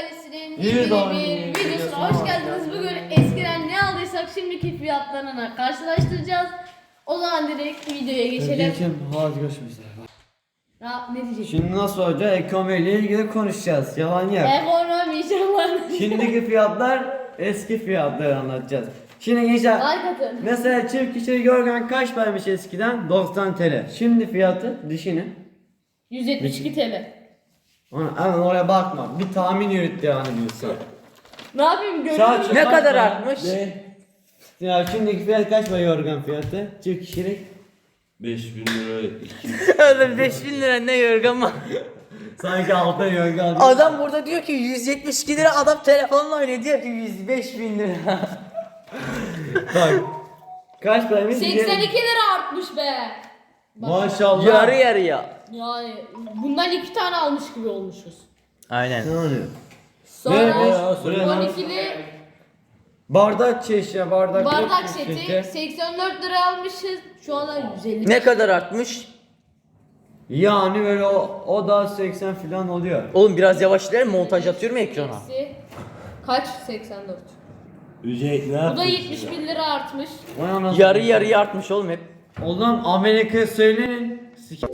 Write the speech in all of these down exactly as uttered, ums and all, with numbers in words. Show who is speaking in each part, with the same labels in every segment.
Speaker 1: ailesinin yeni bir videosuna hoş geldiniz. Bugün eskiden ne aldıysak şimdiki fiyatlarına karşılaştıracağız. O zaman direkt videoya geçelim.
Speaker 2: Geçelim. Hadi görüşürüz.
Speaker 1: Ya, ne diyecek?
Speaker 2: Şimdi nasıl olacak? Ekonomiyle ilgili konuşacağız. Yalan yok.
Speaker 1: Ekonomi yalan.
Speaker 2: Şimdiki fiyatlar eski fiyatları anlatacağız. Şimdi gençler
Speaker 1: Like atın.
Speaker 2: mesela çift kişilik yorgan kaç paraymış eskiden? doksan TL. Şimdi fiyatı düşünün.
Speaker 1: yüz yetmiş iki TL.
Speaker 2: Ona, hemen oraya bakma. Bir tahmin yürüt yani diyorsun.
Speaker 1: Ne yapayım görüyor
Speaker 2: Saat-
Speaker 1: musun?
Speaker 3: Ne
Speaker 2: Kaç
Speaker 3: kadar
Speaker 2: para?
Speaker 3: artmış?
Speaker 4: Ne?
Speaker 2: Ya şimdiki fiyat kaç para yorgan fiyatı? Çift kişilik.
Speaker 4: beş bin lira iki yüz.
Speaker 3: Oğlum beş bin lira ne yorgan var?
Speaker 2: Sanki altta yorgan.
Speaker 3: Adam burada diyor ki yüz yetmiş iki lira, adam telefonla oynuyor diyor ki yüz beş bin lira.
Speaker 2: Bak. Kaç paraymış?
Speaker 1: seksen iki lira artmış be. Bak,
Speaker 2: Maşallah.
Speaker 3: Yarı yarıya.
Speaker 1: yani bundan iki tane almış gibi olmuşuz.
Speaker 3: Aynen.
Speaker 2: Ne oluyor?
Speaker 1: Sonra
Speaker 2: Ne, ne ya? Söyle lan.
Speaker 1: on ikili
Speaker 2: Bardak çeşya, bardak
Speaker 1: bardak
Speaker 2: yok,
Speaker 1: seti
Speaker 2: şeker.
Speaker 1: seksen dört lira almışız. Şu anda yüz elli.
Speaker 3: Ne kadar artmış?
Speaker 2: Yani böyle o, o da seksen falan oluyor.
Speaker 3: Oğlum biraz yavaş ileri, montaj atıyorum ya ekrana.
Speaker 1: Eksi kaç? seksen dört.
Speaker 4: Ücret ne
Speaker 1: Bu da
Speaker 4: yapıyorsun
Speaker 1: yetmiş bin lira artmış.
Speaker 2: Vay anasını.
Speaker 3: Yarı yarıya artmış oğlum hep.
Speaker 2: Oğlum Amerika söyleyin. Sik-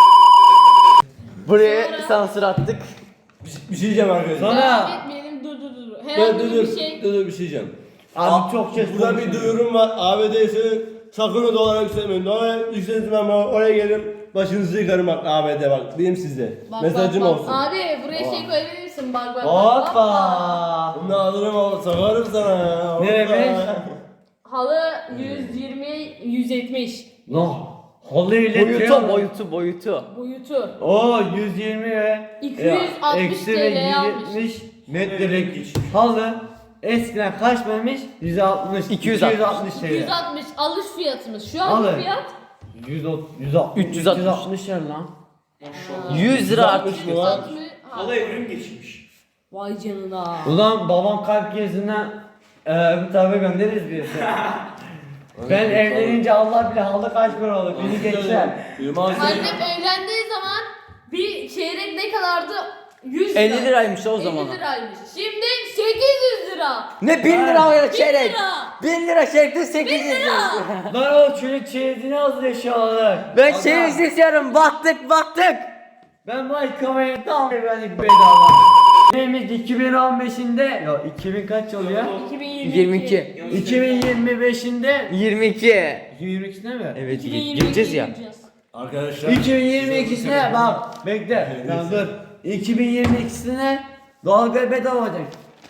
Speaker 3: Buraya
Speaker 1: Sonra-
Speaker 3: sansür attık.
Speaker 4: Bir şey diyeceğim arkadaşlar.
Speaker 2: Sonra-
Speaker 1: Devam etmeyelim, dur dur dur.
Speaker 4: Dur
Speaker 1: Herhangi
Speaker 4: dur dur.
Speaker 1: bir şey.
Speaker 4: Dur dur bir şey diyeceğim.
Speaker 2: Abi çok şey
Speaker 4: Burada bir
Speaker 2: konuşuyor.
Speaker 4: duyurum var. A B D'si sakın o dolara yükselmeyin. Dolara yükseltin ama oraya gelin. Başınızı yıkarım bak A B D bak. Diyeyim size.
Speaker 1: Bak,
Speaker 4: Mesajım
Speaker 1: bak, bak.
Speaker 4: olsun.
Speaker 1: Abi buraya şey koyabilir misin? Bak bak. bak.
Speaker 2: Hoppa.
Speaker 4: Bunu alırım o sakarım sana ya. Hoppa.
Speaker 2: Ne demek?
Speaker 1: Halı yüz yirmi yüz yetmiş
Speaker 2: Lan. Halı ile
Speaker 3: Boyutu boyutu boyutu.
Speaker 1: boyutu.
Speaker 2: O yüz yirmi ve
Speaker 1: iki yüz altmış
Speaker 2: eksi
Speaker 1: TL
Speaker 2: ve
Speaker 1: almış.
Speaker 2: yüz yetmiş metrelik halı eskiden kaç paraymış? yüz altmış.
Speaker 3: iki yüz altmış.
Speaker 2: iki yüz altmış
Speaker 1: iki
Speaker 2: TL.
Speaker 1: yüz altmış alış fiyatımız. Şu an
Speaker 2: Halı.
Speaker 1: fiyat
Speaker 2: yüz altmış. yüz altmış.
Speaker 3: üç yüz altmış.
Speaker 2: üç yüz altmış yer lan.
Speaker 3: yüz lira artmış.
Speaker 4: Altmış mı lan?
Speaker 1: Halı evrim geçmiş. Vay canına.
Speaker 2: Ulan babam kalp krizinden eee bir tarafa göndeririz diyorsun. Ben evlenince Allah bile halı kaç para olur? Beni geçer.
Speaker 1: Annem evlendiği zaman bir çeyrek ne kadardı? yüz lira.
Speaker 3: elli liraymış o zaman.
Speaker 1: elli liraymış. Şimdi sekiz yüz lira.
Speaker 3: Ne bin lira ya
Speaker 1: bin
Speaker 3: çeyrek?
Speaker 1: lira.
Speaker 3: bin lira çeyrekte sekiz yüz lira.
Speaker 2: Lan o çelik çeyizini hazır eşyalar.
Speaker 3: Ben
Speaker 2: Adam,
Speaker 3: çeyrek istiyorum, baktık baktık.
Speaker 2: Ben bu ay kamerayı tam güvenlik bedava. Neymiş iki bin on beşinde ya iki bin kaç oluyor?
Speaker 1: iki bin yirmi
Speaker 3: yirmi iki.
Speaker 2: iki bin yirmi beşinde
Speaker 3: yirmi iki.
Speaker 2: iki bin yirmi ikisinde mi?
Speaker 3: Evet
Speaker 1: iki bin yirmi iki
Speaker 3: gireceğiz ya.
Speaker 1: gireceğiz.
Speaker 4: Arkadaşlar.
Speaker 2: iki bin yirmi ikisine bak bekle. Lan dur. iki bin yirmi ikisine doğalgaz bedava olacak.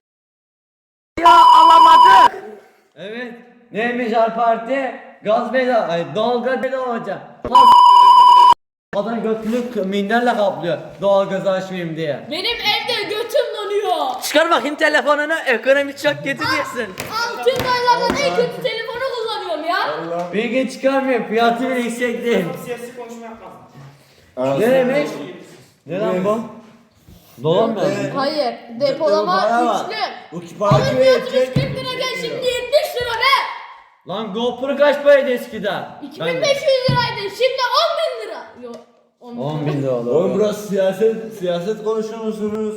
Speaker 3: Ya alamadık.
Speaker 2: Evet. Neymiş her parti? Gaz bedava, ay doğalgaz bedava olacak. Adam götünü minderle kaplıyor doğalgaz açmayayım diye.
Speaker 1: Benim evde götüm donuyor.
Speaker 3: Çıkar bakayım telefonunu, ekonomi çok kötü diyorsun.
Speaker 1: Altın aylardan en kötü telefonu kullanıyorum ya.
Speaker 4: Allah.
Speaker 2: Bir gün çıkarmıyor fiyatı bile yüksek değil.
Speaker 5: Siyasi konuşma yapmaz.
Speaker 2: Ne demek? Ne lan bu? Dolan mı?
Speaker 4: Evet.
Speaker 1: Hayır,
Speaker 4: Bu para
Speaker 1: depolama
Speaker 4: var.
Speaker 1: güçlü.
Speaker 4: Bu
Speaker 1: Alın
Speaker 4: para
Speaker 1: fiyatımız
Speaker 4: verecek.
Speaker 1: kırk lirayken şimdi yetmiş lira be.
Speaker 2: Lan GoPro kaç paraydı eskiden?
Speaker 1: iki bin beş yüz liraydı, şimdi on bin lira. Yok, on bin.
Speaker 2: on bin lira
Speaker 4: Oğlum
Speaker 2: olur.
Speaker 4: burası siyaset, siyaset konuşuyor musunuz?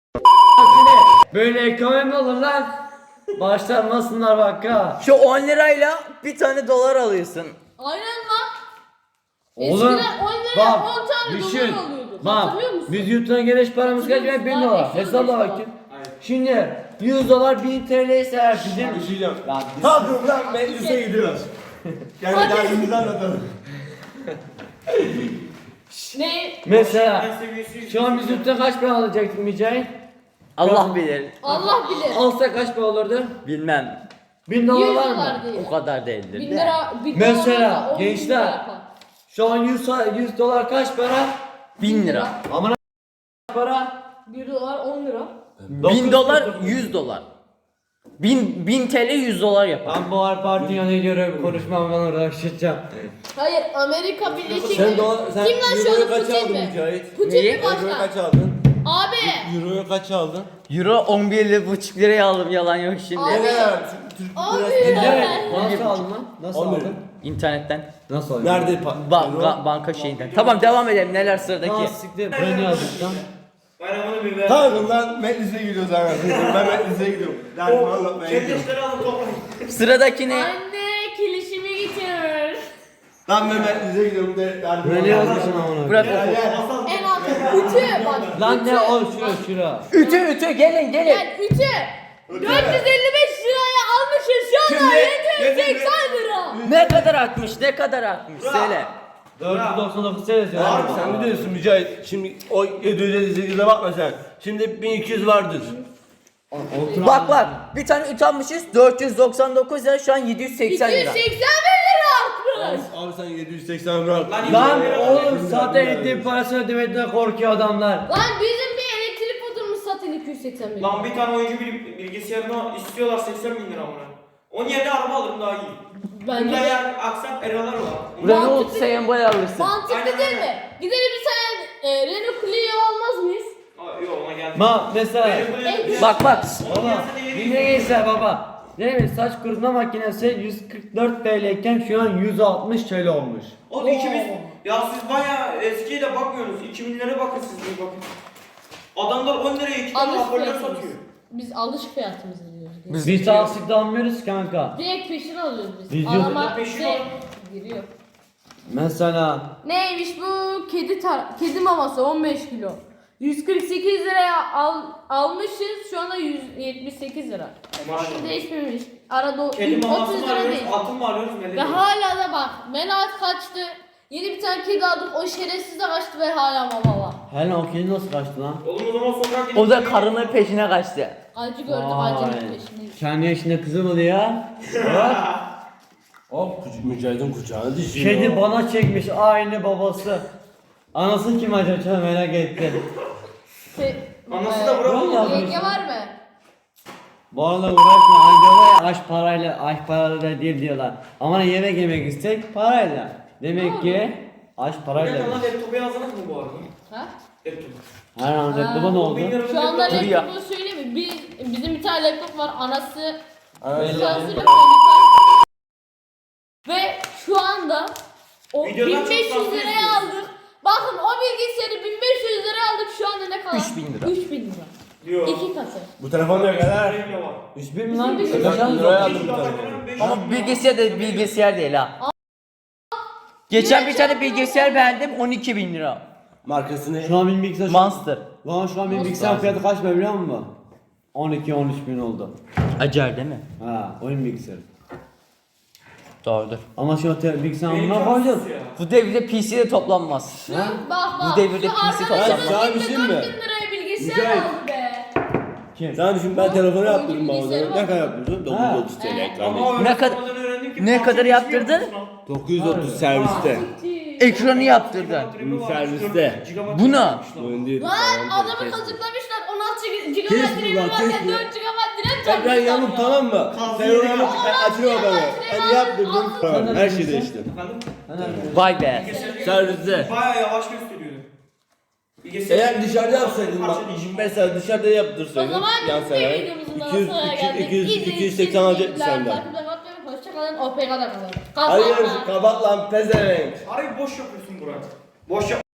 Speaker 2: Böyle ekonomi olur lan. Başlanmasınlar bak ha.
Speaker 3: Şu on lirayla bir tane dolar alıyorsun.
Speaker 1: Aynen lan.
Speaker 2: Oğlum
Speaker 1: Eskiden on lira
Speaker 2: bak
Speaker 1: on tane
Speaker 2: düşün.
Speaker 1: dolar alıyorduk.
Speaker 2: Bak
Speaker 1: Hatırlıyor musun?
Speaker 2: biz YouTube'dan geliş paramız kaç?
Speaker 1: Hatırlıyor
Speaker 2: bin
Speaker 1: musun?
Speaker 2: dolar.
Speaker 1: Eksi
Speaker 2: Hesapla
Speaker 1: beş dolar.
Speaker 2: bakayım. Şimdi yüz dolar bin T L ise her bizim.
Speaker 4: Bir şey diyeceğim.
Speaker 2: Lan
Speaker 4: Kalkın lan meclise gidiyoruz. Yani
Speaker 1: Hadi.
Speaker 4: derdimizi anlatalım.
Speaker 1: Ne?
Speaker 2: mesela şu an biz YouTube'dan kaç para alacaktın Mücahit?
Speaker 3: Allah bilir.
Speaker 1: Allah bilir.
Speaker 2: Alsa kaç para olurdu?
Speaker 3: Bilmem.
Speaker 2: bin dolar
Speaker 1: yüz
Speaker 2: var mı?
Speaker 1: dolar değil.
Speaker 3: O kadar değildir.
Speaker 1: Bin
Speaker 3: de.
Speaker 1: lira, bin
Speaker 2: Mesela,
Speaker 1: dolar olsa on bin
Speaker 2: gençler.
Speaker 1: lira yapar.
Speaker 2: Şu an yüz, yüz dolar kaç para?
Speaker 3: Bin lira.
Speaker 2: Amına para?
Speaker 1: Bir dolar on lira.
Speaker 3: Bin dolar, yüz dolar. Bin, bin T L yüz dolar yapar.
Speaker 2: Ben bu her parti yanına göre konuşmam ben orada açacağım.
Speaker 1: Hayır, Amerika Birleşik
Speaker 4: Sen dolar, sen
Speaker 1: Kim lan şu
Speaker 4: euroyu
Speaker 1: an
Speaker 4: kaç
Speaker 1: Putin
Speaker 4: aldın
Speaker 1: mi?
Speaker 4: Mücahit?
Speaker 1: Putin
Speaker 3: Neyi?
Speaker 1: mi
Speaker 4: Euroyu
Speaker 1: başkan?
Speaker 4: kaç aldın?
Speaker 1: Abi.
Speaker 4: Euroyu kaç aldın?
Speaker 3: Euro on bir buçuk liraya aldım, yalan yok şimdi.
Speaker 1: Abi.
Speaker 4: Ne kadar? Türk
Speaker 1: Abi.
Speaker 4: lirası
Speaker 1: Evet.
Speaker 4: ne?
Speaker 2: Evet. Nasıl aldın lan? Nasıl
Speaker 4: On bir.
Speaker 2: aldın?
Speaker 3: İnternetten.
Speaker 2: Nasıl aldın?
Speaker 4: Nerede? pa-
Speaker 3: Ba-
Speaker 4: euro?
Speaker 3: ga- banka şeyinden. Tamam devam edelim, neler
Speaker 2: Aa
Speaker 3: sıradaki.
Speaker 2: siktir. Buraya ne yazdık lan?
Speaker 5: Bana bunu bir ver.
Speaker 4: Tamam lan meclise gidiyoruz anasını. Ben meclise gidiyorum. Derdimi anlatmaya gidiyorum.
Speaker 5: Çekişleri alın toplayın.
Speaker 3: Sıradaki ne?
Speaker 1: Anne kilişimi getir.
Speaker 4: Lan ben meclise gidiyorum de derdimi
Speaker 2: Böyle yazmışsın amına.
Speaker 3: Bırak
Speaker 4: Gel
Speaker 3: oku.
Speaker 4: gel.
Speaker 1: En altı. Ütü bak.
Speaker 2: Lan
Speaker 1: ütü.
Speaker 2: ne o şura şura.
Speaker 3: Ütü ütü gelin gelin.
Speaker 1: Gel ütü. dört yüz elli beş liraya almışız şu anda
Speaker 4: Şimdi-
Speaker 1: yedi yüz seksen lira.
Speaker 3: Ne kadar artmış ne kadar artmış söyle.
Speaker 2: dört yüz doksan dokuz seyrediyor.
Speaker 4: Abi sen biliyorsun Mücahit. Şimdi o yedi yüz elli sekize bakma sen. Şimdi bin iki yüz vardır.
Speaker 3: Bak bak bir tane ütü almışız dört yüz doksan dokuz lira şu an yedi yüz seksen
Speaker 1: iki yüz
Speaker 3: lira.
Speaker 1: seksen bin lira artmış.
Speaker 4: Abi sen yedi yüz seksen bırak.
Speaker 5: Lan
Speaker 2: Lan oğlum zaten elektrik parası ödemekten korkuyor adamlar.
Speaker 1: Lan bizim bir elektrik faturamız zaten iki yüz seksen bin.
Speaker 5: Lan bir tane oyuncu bil- bilgisayarına istiyorlar seksen bin lira buna. Onun yerine araba alırım daha iyi.
Speaker 1: Bence
Speaker 5: Bunda
Speaker 1: de
Speaker 5: yani aksam eralar var.
Speaker 3: Renault
Speaker 1: Mantıklı-
Speaker 3: sembol alırsın.
Speaker 1: mantıklı
Speaker 5: Aynen,
Speaker 1: değil
Speaker 5: aynen.
Speaker 1: mi? Gidelim bir tane e, Renault Clio almaz mıyız?
Speaker 5: Aa, yok ona geldi.
Speaker 2: Ma mesela
Speaker 1: En-
Speaker 3: Bak bak.
Speaker 2: baba dinleyse baba. Değil mi? Saç kurutma makinesi yüz kırk dört T L iken şu an yüz altmış T L olmuş.
Speaker 5: Oğlum ikimiz ya siz baya eskiye de bakmıyorsunuz. iki binlere bakın siz bir bakın. Adamlar on liraya iki tane
Speaker 1: Alış
Speaker 5: hoparlör
Speaker 1: fiyatımız.
Speaker 5: satıyor.
Speaker 1: Biz alış fiyatımızı diyoruz.
Speaker 3: Biz-
Speaker 2: Biz taksitli almıyoruz kanka.
Speaker 1: Direkt peşin alıyoruz biz.
Speaker 2: Biz
Speaker 1: Adama
Speaker 5: yok, peşin
Speaker 1: şey
Speaker 5: al.
Speaker 1: giriyor.
Speaker 2: Mesela
Speaker 1: Neymiş bu? Kedi tar- kedi maması on beş kilo. yüz kırk sekiz liraya al almışız. Şu anda yüz yetmiş sekiz lira.
Speaker 5: Maşallah.
Speaker 1: Değişmemiş. Arada
Speaker 5: Kedi
Speaker 1: otuz
Speaker 5: maması mı
Speaker 1: lira
Speaker 5: arıyoruz,
Speaker 1: değil.
Speaker 5: atın mı arıyoruz, ne
Speaker 1: Ve
Speaker 5: diyoruz?
Speaker 1: hala da bak. Melat kaçtı. Yeni bir tane kedi aldık. O şerefsiz de kaçtı ve hala mama var.
Speaker 2: hele o kedi nasıl kaçtı lan?
Speaker 5: Oğlum o zaman sokak gidip...
Speaker 3: O da karının peşine kaçtı.
Speaker 1: Acı gördüm
Speaker 2: Vay.
Speaker 1: acının peşindeyiz.
Speaker 2: Kendi yaşında kızı mı ya? Bak.
Speaker 4: Hop küçük Mücahit'in kucağına düşüyor.
Speaker 2: Kedi bana çekmiş aynı babası. Anası kim acaba çok merak ettim.
Speaker 1: Şey,
Speaker 5: Anası da bırak.
Speaker 2: Vallahi
Speaker 1: Yenge var mı?
Speaker 2: Bu arada uğraşma anca var ya aşk parayla aşk parayla değil diyorlar. Ama yemek yemek istek parayla. Demek ki aşk
Speaker 5: Ne
Speaker 2: parayla.
Speaker 5: lan laptopu yazdınız mı bu arada?
Speaker 1: Ha?
Speaker 5: Laptop.
Speaker 2: Her an laptopa ne
Speaker 5: On
Speaker 2: oldu?
Speaker 5: bin lira bir
Speaker 1: Şu anda
Speaker 5: laptop.
Speaker 3: Dur ya.
Speaker 1: laptopu söyleyeyim mi? Biz, bizim bir tane laptop var. Anası
Speaker 4: Anası-
Speaker 1: sansürlü ve şu anda o
Speaker 5: Videodan
Speaker 1: bin beş yüz
Speaker 5: çok
Speaker 1: liraya
Speaker 5: sansür
Speaker 1: aldık. Bakın o bilgisayarı bin beş yüz liraya aldık. Şu anda ne kadar?
Speaker 3: üç bin lira.
Speaker 1: üç bin lira.
Speaker 5: Diyor.
Speaker 1: İki katı.
Speaker 4: Bu telefon ne kadar?
Speaker 5: Rengi var.
Speaker 2: üç bin mi lan?
Speaker 1: Bizim bir-
Speaker 2: Kaç aldın?
Speaker 4: Liraya aldım
Speaker 5: Beş
Speaker 4: bu
Speaker 5: yüz
Speaker 4: telefonu.
Speaker 5: dolar, beş yüz
Speaker 3: Ama
Speaker 5: dolar.
Speaker 3: bilgisayar da bilgisayar değil ha. Geçen bir tane bilgisayar beğendim on iki bin lira.
Speaker 4: Markası ne?
Speaker 2: Şu an benim bilgisayar
Speaker 3: Monster.
Speaker 2: Lan şu an benim
Speaker 1: Monster.
Speaker 2: bilgisayar fiyatı kaç be biliyor musun? on iki on üç bin oldu.
Speaker 3: Acar değil mi?
Speaker 2: Ha oyun bilgisayarı.
Speaker 3: Doğrudur.
Speaker 2: Ama şu an te- bilgisayarın
Speaker 5: Benim
Speaker 2: buna
Speaker 5: canım
Speaker 2: koyacağız.
Speaker 5: sus ya.
Speaker 3: Bu devirde P C'de toplanmaz.
Speaker 1: Şu, bak bak.
Speaker 3: Bu devirde
Speaker 1: şu
Speaker 3: P C
Speaker 1: arkadaşımız
Speaker 3: toplanmaz.
Speaker 4: Sana bir şey mi?
Speaker 1: dört bin liraya bilgisayar
Speaker 4: Mücahit.
Speaker 1: aldı be.
Speaker 2: Kim?
Speaker 4: Sen düşün ben telefonu
Speaker 1: Oyuncu
Speaker 4: yaptırdım
Speaker 1: bilgisayarı
Speaker 4: bana.
Speaker 1: var.
Speaker 4: Ne kadar yaptırdın? dokuz yüz otuz T L
Speaker 1: Ha.
Speaker 4: ekran.
Speaker 5: Ama
Speaker 3: Ne
Speaker 5: ne
Speaker 3: kadar-
Speaker 5: kadar öğrendim ki
Speaker 3: ne
Speaker 5: parça
Speaker 3: kadar
Speaker 5: geçmiyor
Speaker 3: yaptırdın?
Speaker 5: musun lan?
Speaker 4: dokuz yüz otuz serviste.
Speaker 3: Ekranı yaptırdın.
Speaker 5: Gigabayt
Speaker 4: Serviste.
Speaker 5: gigabayt
Speaker 3: Bu ne?
Speaker 5: yapmış lan.
Speaker 4: Oyun değil.
Speaker 1: Lan adamı kazıklamışlar. on altı gigabayt
Speaker 4: Kes
Speaker 1: RAM
Speaker 4: lan,
Speaker 1: varken
Speaker 4: kes
Speaker 1: dört gigabayt RAM
Speaker 4: Ekran
Speaker 1: takmışlar
Speaker 4: yamuk
Speaker 1: ya.
Speaker 4: tamam mı? Sen onu yamuk açıyor bana. Hadi yaptırdım. Tamam her şeyi değiştim.
Speaker 5: Efendim?
Speaker 3: Vay be.
Speaker 4: Serviste.
Speaker 5: Bayağı yavaş gösteriyordu. Bilgisayar-
Speaker 4: Eğer dışarıda yapsaydın bak
Speaker 5: Parça değişimi.
Speaker 4: mesela dışarıda
Speaker 1: O
Speaker 4: yaptırsaydın
Speaker 1: zaman
Speaker 4: yan
Speaker 1: biz de
Speaker 4: sanayi
Speaker 1: videomuzun daha
Speaker 4: iki yüz
Speaker 1: sonuna geldik.
Speaker 4: iki yüz
Speaker 1: İzlediğiniz
Speaker 4: iki yüz
Speaker 1: için
Speaker 4: seksen alacaktı
Speaker 1: teşekkürler.
Speaker 4: senden.
Speaker 1: Takipte kalın. Hoşçakalın. O P K'da kalın.
Speaker 4: Hayır
Speaker 1: Kapat.
Speaker 4: kapat lan pezevenk.
Speaker 5: Arayı boş yapıyorsun Burak. Boş yap.